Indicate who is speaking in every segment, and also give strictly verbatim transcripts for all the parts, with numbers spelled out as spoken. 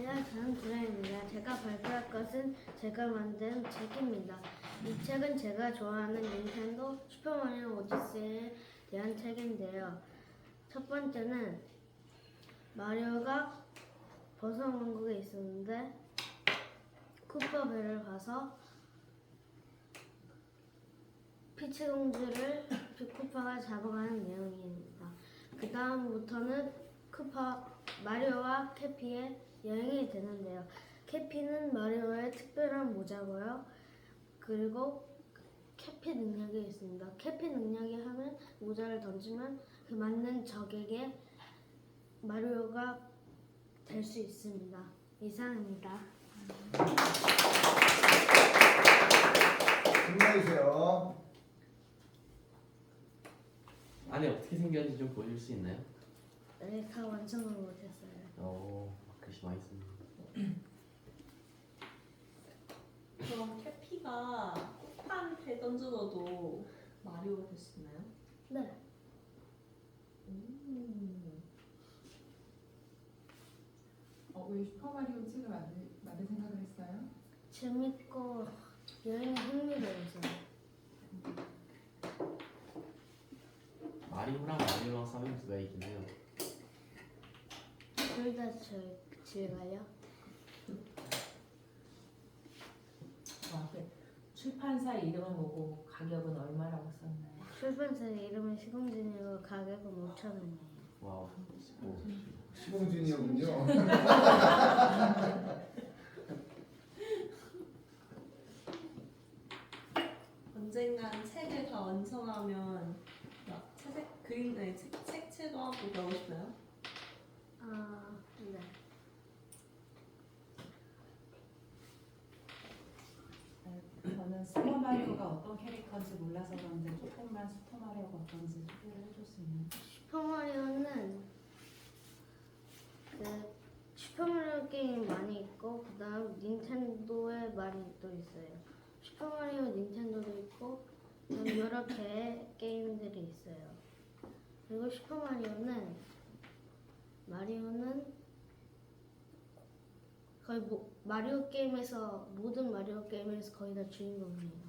Speaker 1: 안녕하십니까. 저는 두라입니다. 제가 발표할 것은 제가 만든 책입니다. 이 책은 제가 좋아하는 닌텐도 슈퍼마리오 오디세이에 대한 책인데요. 첫 번째는 마리오가 버섯 왕국에 있었는데 쿠퍼배를 가서 피치 공주를 쿠파가 잡아가는 내용입니다. 그 다음부터는 쿠파 마리오와 캐피의 여행이 되는데요. 캐피는 마리오의 특별한 모자고요. 그리고 캐피 능력이 있습니다. 캐피 능력이 하면 모자를 던지면 그 맞는 적에게 마리오가 될 수 있습니다. 이상입니다.
Speaker 2: 질문해주세요.
Speaker 3: 안에 어떻게 생겼는지 좀 보여줄 수 있나요?
Speaker 1: 네, 다 완성을 못했어요.
Speaker 3: 어, 글씨 많이 씁니다.
Speaker 4: 그럼 캐피가 폭탄을 던져도 마리오가 될 수 있나요?
Speaker 1: 네.
Speaker 4: 음.
Speaker 5: 어, 왜 슈퍼마리오 책을 만들, 만들 생각을 했어요?
Speaker 1: 재밌고 여행이 흥미로워서.
Speaker 3: 마리오랑 마리오랑 싸우면 누가 이기나요?
Speaker 1: 둘 다 즐거요.
Speaker 6: 아, 그 출판사 이름은 뭐고 가격은 얼마라고 썼나요?
Speaker 1: 출판사 이름은 시공진이고 가격은 오천 원이에요.
Speaker 3: 와우. 오.
Speaker 2: 시공준이었군요.
Speaker 4: 언젠간 책을 다 완성하면 막 채색 그림 아니 책, 색채도 하고 그러고 싶어요?
Speaker 1: 아, 네.
Speaker 5: 저는 슈퍼마리오가 어떤 캐릭터인지 몰라서 그런데 조금만 슈퍼마리오가 어떤지 소개를 해줄 수 있나요?
Speaker 1: 슈퍼마리오는 그 슈퍼마리오 게임 많이 있고 그 다음 닌텐도에 많이 또 있어요. 슈퍼마리오 닌텐도도 있고 그다음 여러 개의 게임들이 있어요. 그리고 슈퍼마리오는 마리오는 거의 뭐, 마리오 게임에서 모든 마리오 게임에서 거의 다 주인공이에요.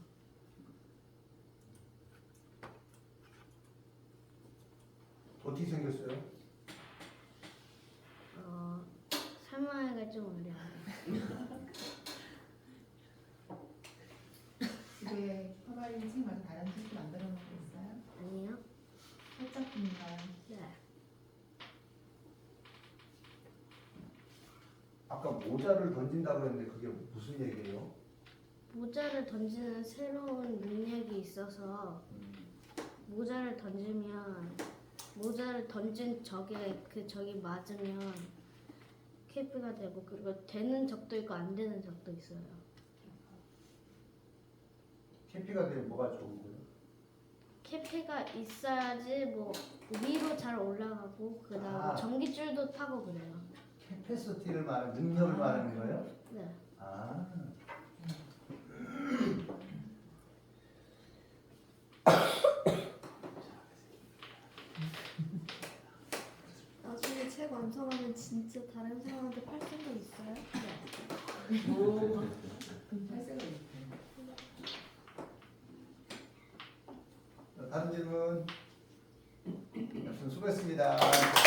Speaker 2: 어떻게 생겼어요?
Speaker 1: 어, 설명하기가 좀 어려워요.
Speaker 5: 집에 슈퍼마리오 책 말고 다른 책도 만들어 놓은 게 있어요?
Speaker 1: 아니요?
Speaker 5: 살짝뿐인가요?
Speaker 1: 네.
Speaker 2: 아까 모자를 던진다고 했는데 그게 무슨 얘기예요?
Speaker 1: 모자를 던지는 새로운 능력이 있어서 모자를 던지면 모자를 던진 적에 그 적이 맞으면 캐피가 되고 그리고 되는 적도 있고 안 되는 적도 있어요.
Speaker 2: 캐피가 되면 뭐가 좋은 거예요?
Speaker 1: 캐피가 있어야지 뭐 위로 잘 올라가고 그다음에
Speaker 2: 아.
Speaker 1: 전기줄도 타고 그래요.
Speaker 2: 캐패시티를 말하는 능력을 말하는 거예요?
Speaker 1: 네.
Speaker 2: 아.
Speaker 7: 나중에 책 완성하면 진짜 다른 사람한테 팔 생각 있어요?
Speaker 5: 오, 탈색을 못해.
Speaker 2: 다른 질문? 수고했습니다.